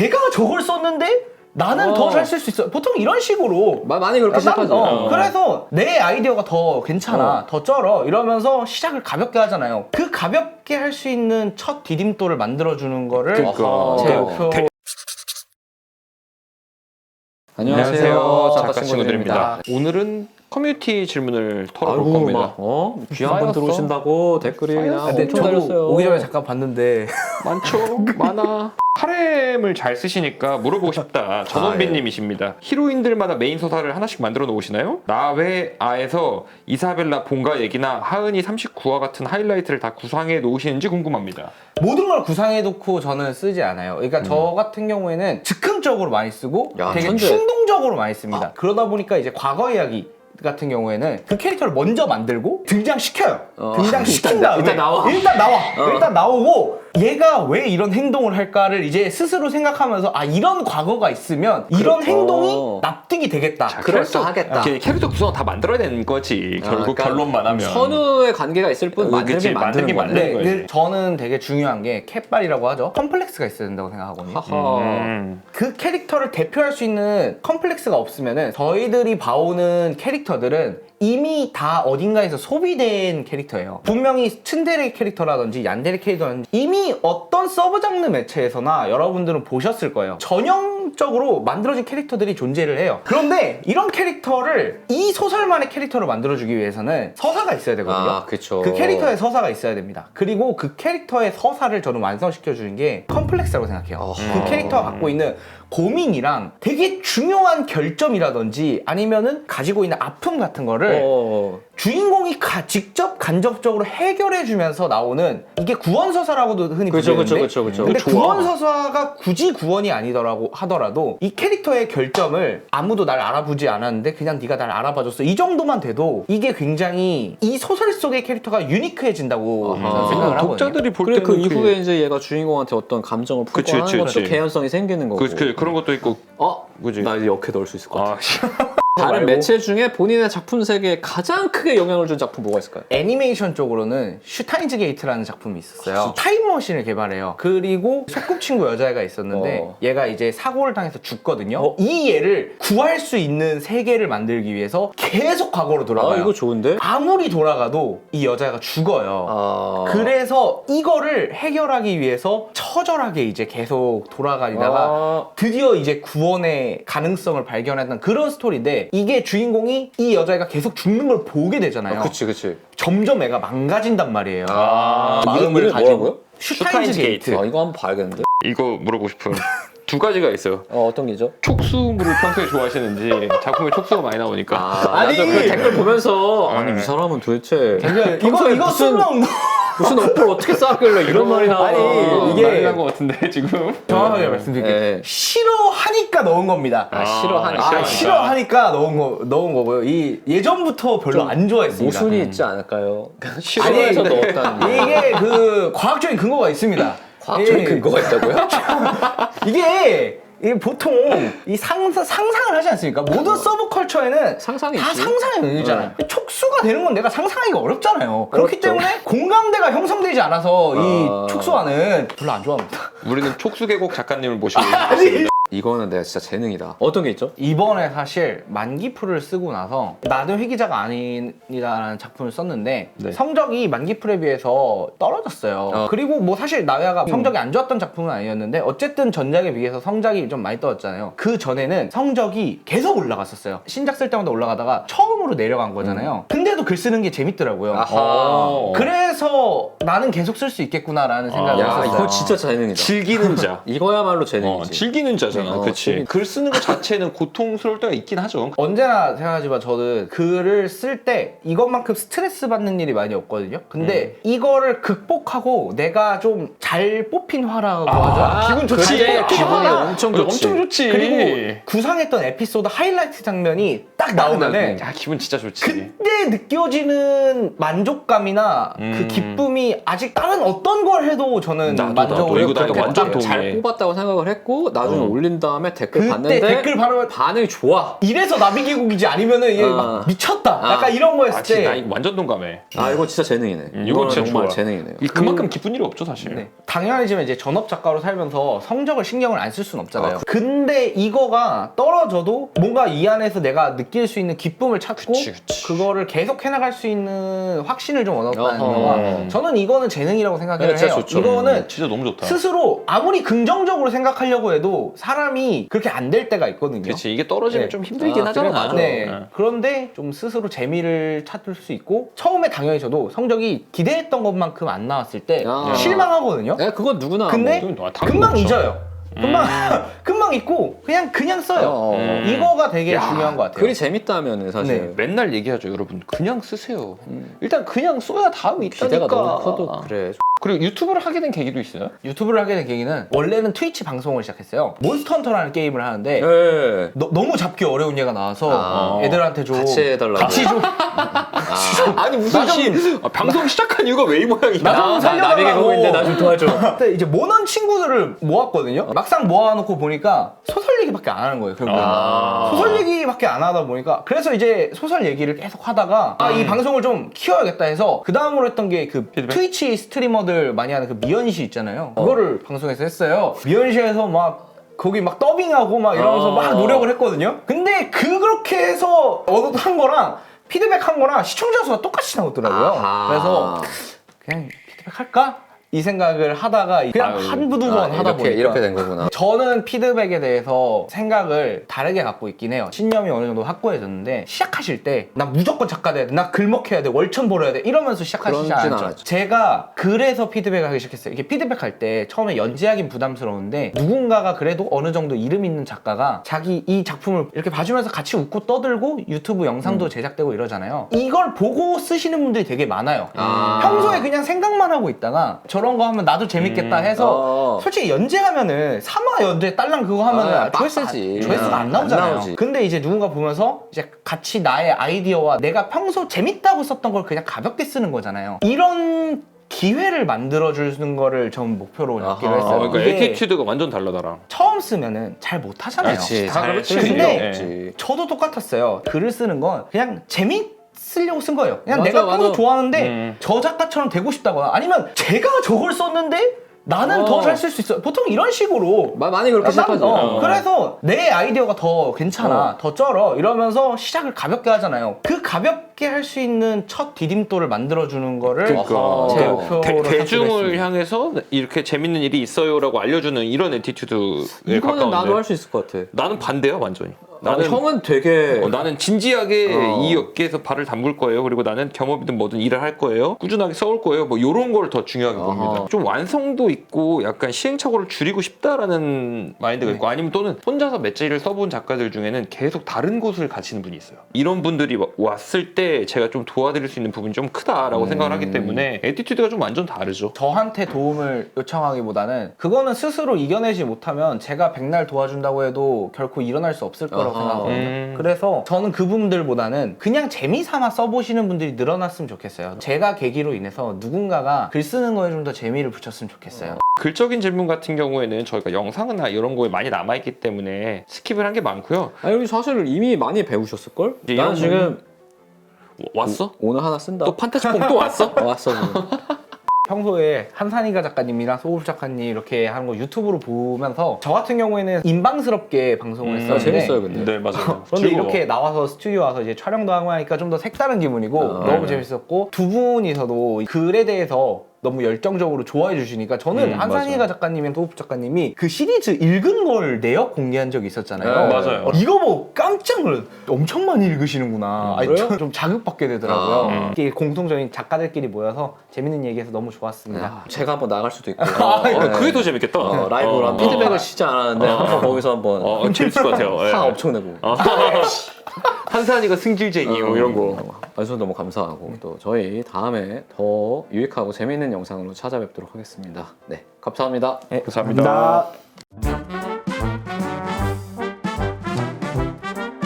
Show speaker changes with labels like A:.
A: 걔가 저걸 썼는데 나는 더 잘 쓸 수 있어. 보통 이런 식으로
B: 많이 그렇게 시작하죠.
A: 그래서 내 아이디어가 더 괜찮아, 더 쩔어 이러면서 시작을 가볍게 하잖아요. 그 가볍게 할 수 있는 첫 디딤돌을 만들어주는 거를 제 목표.
B: 안녕하세요.
C: 작가 친구들입니다. 오늘은 커뮤니티 질문을 털어볼 겁니다.
B: 귀한 분 들어오신다고 댓글이 그냥
A: 근데
B: 엄청
A: 저도
B: 달렸어요.
A: 오기 전에 잠깐 봤는데
C: 많죠? 많아. 하렘을 잘 쓰시니까 물어보고 싶다. 전원빈님이십니다. 히로인들마다 메인 서사를 하나씩 만들어 놓으시나요? 나외아에서 이사벨라 본가 얘기나 하은이 39화 같은 하이라이트를 다 구상해 놓으시는지 궁금합니다.
A: 모든 걸 구상해놓고 저는 쓰지 않아요. 그러니까 저 같은 경우에는 즉흥적으로 많이 쓰고
B: 야,
A: 되게
B: 천재.
A: 충동적으로 많이 씁니다. 그러다 보니까 이제 과거 이야기 같은 경우에는 그 캐릭터를 먼저 만들고 등장시켜요. 등장시킨 다음에
B: 일단 나와.
A: 일단 나오고 얘가 왜 이런 행동을 할까를 이제 스스로 생각하면서 아 이런 과거가 있으면 이런 행동이 납득이 되겠다.
B: 그럴싸하겠다.
C: 캐릭터 구성 다 만들어야 되는 거지. 결국
B: 그러니까
C: 결론만 하면.
B: 선우의 관계가 있을 뿐
C: 그치,
B: 만들긴 만드는
C: 만드는
B: 거네.
C: 거지.
A: 네, 저는 되게 중요한 게 캣발이라고 하죠. 컴플렉스가 있어야 된다고 생각하거든요.
B: 하하.
A: 그 캐릭터를 대표할 수 있는 컴플렉스가 없으면은 저희들이 봐오는 캐릭터들은 이미 다 어딘가에서 소비된 캐릭터예요. 분명히 츤데레 캐릭터라든지 얀데레 캐릭터라든지 이미 어떤 서브 장르 매체에서나 여러분들은 보셨을 거예요. 전형적으로 만들어진 캐릭터들이 존재를 해요. 그런데 이런 캐릭터를 이 소설만의 캐릭터로 만들어주기 위해서는 서사가 있어야 되거든요.
B: 아, 그쵸.
A: 그 캐릭터의 서사가 있어야 됩니다. 그리고 그 캐릭터의 서사를 저는 완성시켜주는 게 컴플렉스라고 생각해요. 그 캐릭터가 갖고 있는 고민이랑 되게 중요한 결점이라든지 아니면은 가지고 있는 아픔 같은 거를 주인공이 직접 간접적으로 해결해주면서 나오는 이게 구원서사라고도 흔히 부르는데
B: 그쵸.
A: 근데
B: 좋아.
A: 구원서사가 굳이 구원이 아니더라고 하더라도 이 캐릭터의 결점을 아무도 날 알아보지 않았는데 그냥 네가 날 알아봐줬어 이 정도만 돼도 이게 굉장히 이 소설 속의 캐릭터가 유니크해진다고 저는 생각을 하거든요.
C: 독자들이 볼
B: 그래
C: 때는
B: 그 이후에 이제 얘가 주인공한테 어떤 감정을 품고
C: 그치,
B: 하는
C: 그치,
B: 것도
C: 그치.
B: 개연성이 생기는 거고.
C: 그런 것도 있고. 그지?
B: 나 이제 역해 넣을 수 있을 것 같아.
C: 말고.
B: 다른 매체 중에 본인의 작품 세계에 가장 크게 영향을 준 작품 뭐가 있을까요?
A: 애니메이션 쪽으로는 슈타인즈 게이트라는 작품이 있었어요. 타임머신을 개발해요. 그리고 소꿉친구 여자애가 있었는데 얘가 이제 사고를 당해서 죽거든요. 이 얘를 구할 수 있는 세계를 만들기 위해서 계속 과거로 돌아가요.
B: 이거 좋은데?
A: 아무리 돌아가도 이 여자애가 죽어요. 그래서 이거를 해결하기 위해서 처절하게 이제 계속 돌아가다가 드디어 이제 구원의 가능성을 발견했던 그런 스토리인데 이게 주인공이 이 여자애가 계속 죽는 걸 보게 되잖아요.
B: 그치.
A: 점점 애가 망가진단 말이에요.
B: 이름이 뭐라고요?
A: 슈타인즈 게이트.
B: 이거 한번 봐야겠는데?
C: 이거 물어보고 싶은 두 가지가 있어요.
B: 어떤 게죠?
C: 촉수물을 평소에 좋아하시는지 작품에 촉수가 많이 나오니까.
B: 아니 그 댓글 보면서 아니 이 사람은 도대체
A: 이거 쓸모없는
B: 무슨 어플 어떻게 쌓았길래 이런 말이 나와.
A: 아니, 이게-
C: 난리 난것 같은데 지금.
A: 정확하게 말씀드릴게요.
B: 네.
A: 싫어하니까 넣은 겁니다. 싫어하니까 넣은 거고요. 이 예전부터 별로 안 좋아했습니다.
B: 모순이 있지 않을까요?
A: 아니,
B: 싫어해서 넣었다는
A: 이게 그 과학적인 근거가 있습니다.
B: 과학적인
A: 예.
B: 근거가 있다고요?
A: 이게 보통 이 상상을 하지 않습니까? 모든 서브컬처에는
B: 상상이
A: 다
B: 있지.
A: 상상의 영역이잖아요. 촉수가 되는 건 내가 상상하기가 어렵잖아요. 그렇기
B: 어렵죠.
A: 때문에 공감대가 형성되지 않아서 이 촉수와는 별로 안 좋아합니다.
C: 우리는 촉수계곡 작가님을 모시고 있습니다.
B: 이거는 내가 진짜 재능이다. 어떤 게 있죠?
A: 이번에 사실 만기풀을 쓰고 나서 나도 회기자가 아니라는 작품을 썼는데 성적이 만기풀에 비해서 떨어졌어요. 그리고 뭐 사실 나야가 성적이 안 좋았던 작품은 아니었는데 어쨌든 전작에 비해서 성적이 좀 많이 떨어졌잖아요. 그 전에는 성적이 계속 올라갔었어요. 신작 쓸 때마다 올라가다가 처음으로 내려간 거잖아요. 근데도 글 쓰는 게 재밌더라고요. 그래서 나는 계속 쓸 수 있겠구나라는 생각을 했었어요.
B: 이거 진짜 재능이다.
C: 즐기는 자.
B: 이거야말로 재능이지.
C: 즐기는 자잖아. 그치.
B: 즐기-
C: 글 쓰는 것 자체는 고통스러울 때가 있긴 하죠.
A: 언제나 생각하지만 저는 글을 쓸 때 이것만큼 스트레스 받는 일이 많이 없거든요. 근데 이거를 극복하고 내가 좀 잘 뽑힌 화라고 하죠.
C: 기분 좋지.
B: 그래, 기분이
A: 화가
B: 엄청 좋지.
C: 엄청 좋지.
A: 그리고 구상했던 에피소드 하이라이트 장면이 딱 나오면은
C: 야, 기분 진짜 좋지.
A: 그때 느껴지는 만족감이나 그 기쁨이 아직 다른 어떤 걸 해도 저는
C: 나도.
A: 만족을
C: 이거 나도
A: 그렇게
C: 완전
A: 못해요.
C: 동의해.
B: 잘 뽑았다고 생각을 했고 나중에 올리는 올린 다음에 댓글
A: 그때
B: 봤는데
A: 댓글 바로
B: 반응이 좋아.
A: 이래서 나비기국이지 아니면은 얘 막 미쳤다. 약간 이런 거였을
C: 진짜 나
A: 때.
C: 이거 완전 동감해.
B: 아 이거 진짜 재능이네.
C: 이건
B: 이거는
C: 진짜
B: 정말
C: 좋아.
B: 재능이네요.
C: 그만큼 기쁜 일이 없죠 사실.
A: 네. 당연하지만 이제 전업 작가로 살면서 성적을 신경을 안 쓸 수는 없잖아요. 근데 이거가 떨어져도 뭔가 이 안에서 내가 느낄 수 있는 기쁨을 찾고
C: 그치.
A: 그거를 계속 해나갈 수 있는 확신을 좀 얻었다는
B: 어허.
A: 거가 저는 이거는 재능이라고 생각을
B: 네, 진짜
A: 해요.
B: 좋죠.
A: 이거는
C: 진짜 너무 좋다.
A: 스스로 아무리 긍정적으로 생각하려고 해도 사람이 그렇게 안 될 때가 있거든요.
C: 그렇지 이게 떨어지면
A: 네.
C: 좀 힘들긴
B: 아,
C: 하잖아.
B: 그래, 맞아.
A: 네.
C: 네.
A: 그런데 좀 스스로 재미를 찾을 수 있고 처음에 당연히 저도 성적이 기대했던 것만큼 안 나왔을 때
B: 아.
A: 실망하거든요.
B: 네, 그건 누구나.
A: 근데
C: 뭐, 당연히
A: 금방
C: 그렇죠.
A: 잊어요. 금방 잊고 그냥 써요. 이거가 되게 중요한 것 같아요.
B: 글이 재밌다면은 사실
A: 네.
C: 맨날 얘기하죠 여러분 그냥 쓰세요. 일단 그냥 써야 다음이
B: 기대가
C: 있다니까.
B: 너무 커도 그래.
C: 그리고 유튜브를 하게 된 계기도 있어요?
A: 유튜브를 하게 된 계기는 원래는 트위치 방송을 시작했어요. 몬스터 헌터라는 게임을 하는데
B: 네.
A: 너무 잡기 어려운 얘가 나와서 애들한테 좀
B: 같이 해달라고.
A: 같이 좀
C: 아니 무슨 방송 시작한 이유가 왜 이 모양이야?
A: 나 좀 살려달라고.
B: 나비계곡인데 나 좀 도와줘.
A: 그때 이제 모넌 친구들을 모았거든요. 막상 모아놓고 보니까 소설 얘기밖에 안 하는 거예요. 결국에는 소설 얘기밖에 안 하다 보니까 그래서 이제 소설 얘기를 계속 하다가 이 방송을 좀 키워야겠다 해서 그 다음으로 했던 게 그 트위치 스트리머들 많이 하는 그 미연시 있잖아요. 그거를 방송에서 했어요. 미연시에서 막 거기 막 더빙하고 막 이러면서 막 노력을 했거든요. 근데 그렇게 해서 한 거랑 피드백 한 거랑 시청자 수가 똑같이 나오더라고요.
B: 아하.
A: 그래서 그냥 피드백 할까? 이 생각을 하다가 그냥 한두 번 하다 보니까
B: 이렇게 된 거구나.
A: 저는 피드백에 대해서 생각을 다르게 갖고 있긴 해요. 신념이 어느 정도 확고해졌는데 시작하실 때 나 무조건 작가 돼야 돼, 나 글먹해야 돼, 월천 벌어야 돼 이러면서 시작하시지
B: 그런진
A: 않았죠.
B: 않았죠.
A: 제가 그래서 피드백을 하기 시작했어요. 이게 피드백할 때 처음에 연재하긴 부담스러운데 누군가가 그래도 어느 정도 이름 있는 작가가 자기 이 작품을 이렇게 봐주면서 같이 웃고 떠들고 유튜브 영상도 제작되고 이러잖아요. 이걸 보고 쓰시는 분들이 되게 많아요. 평소에 그냥 생각만 하고 있다가 저런 거 하면 나도 재밌겠다 해서 솔직히 연재하면은 3화 연재 딸랑 그거 하면은
B: 빡세지.
A: 조회수가 안 나오잖아요.
B: 안 나오지.
A: 근데 이제 누군가 보면서 이제 같이 나의 아이디어와 내가 평소 재밌다고 썼던 걸 그냥 가볍게 쓰는 거잖아요. 이런 기회를 만들어주는 거를 전 목표로 잡기로 했어요.
C: 그러니까
A: 이게
C: 에티튜드가 완전 달라 나랑.
A: 처음 쓰면은 잘 못하잖아요.
B: 그렇지.
C: 다 그렇지.
A: 근데 저도 똑같았어요. 글을 쓰는 건 그냥 쓰려고 쓴 거예요. 그냥
B: 맞아,
A: 내가 평소
B: 맞아.
A: 좋아하는데 저 작가처럼 되고 싶다거나 아니면 제가 저걸 썼는데 나는 더 잘 쓸 수 있어. 보통 이런 식으로
B: 많이 그렇게 시작하죠.
A: 그래서 내 아이디어가 더 괜찮아, 더 쩔어 이러면서 시작을 가볍게 하잖아요. 그 가볍게 할 수 있는 첫 디딤돌을 만들어주는 거를 제 목표로
C: 대중을
A: 삼기로
C: 향해서 이렇게 재밌는 일이 있어요라고 알려주는 이런 에티튜드에
B: 이거는
C: 가까운데
B: 나도 할 수 있을 것 같아.
C: 나는 반대야 완전히.
B: 형은 되게
C: 나는 진지하게 이 업계에서 발을 담글 거예요. 그리고 나는 겸업이든 뭐든 일을 할 거예요. 꾸준하게 써올 거예요. 뭐 이런 걸 더 중요하게 봅니다. 좀 완성도 있고 약간 시행착오를 줄이고 싶다라는 마인드가 있고 아니면 또는 혼자서 맷재리를 써본 작가들 중에는 계속 다른 곳을 가시는 분이 있어요. 이런 분들이 왔을 때 제가 좀 도와드릴 수 있는 부분이 좀 크다라고 생각을 하기 때문에 에티튜드가 좀 완전 다르죠.
A: 저한테 도움을 요청하기보다는 그거는 스스로 이겨내지 못하면 제가 백날 도와준다고 해도 결코 일어날 수 없을 거라고 생각하거든요. 그래서 저는 그 부분들보다는 그냥 재미삼아 써보시는 분들이 늘어났으면 좋겠어요. 제가 계기로 인해서 누군가가 글 쓰는 거에 좀 더 재미를 붙였으면 좋겠어요.
C: 글적인 질문 같은 경우에는 저희가 영상이나 이런 거에 많이 남아있기 때문에 스킵을 한 게 많고요.
B: 아니 사실 이미 많이 배우셨을걸?
C: 이제
B: 나는
C: 이런
B: 지금
C: 왔어?
B: 오늘 하나 쓴다.
C: 또 판타지폼 또 왔어?
B: 왔어. 지금.
A: 평소에 한산이가 작가님이랑 소울 작가님 이렇게 하는 거 유튜브로 보면서 저 같은 경우에는 인방스럽게 방송을 했었는데
B: 재밌어요 근데.
C: 네 맞아요.
A: 그런데
C: 즐거워.
A: 이렇게 나와서 스튜디오 와서 이제 촬영도 하고 하니까 좀 더 색다른 기분이고 너무 재밌었고 두 분이서도 글에 대해서 너무 열정적으로 좋아해 주시니까 저는 한산이가 작가님이랑 소울 작가님이 그 시리즈 읽은 걸 내역 공개한 적이 있었잖아요.
C: 맞아요.
A: 이거 보고 깜짝 놀랐어요. 엄청 많이 읽으시는구나. 아니,
B: 그래요?
A: 좀 자극받게 되더라고요. 이게 공통적인 작가들끼리 모여서 재밌는 얘기해서 너무 좋았습니다.
B: 야, 제가 한번 나갈 수도 있고.
C: 그게 더 재밌겠다.
B: 라이브로 한 피드백을 진짜 안 하는데 한번 거기서 한번
C: 재밌을 것 같아요. 예.
B: 화 엄청 내고.
C: 한산이가 승질쟁이 뭐 이런 거.
B: 와주셔서 너무 감사하고 또 저희 다음에 더 유익하고 재미있는 영상으로 찾아뵙도록 하겠습니다. 네, 감사합니다.
A: 네,
C: 감사합니다.
A: 감사합니다.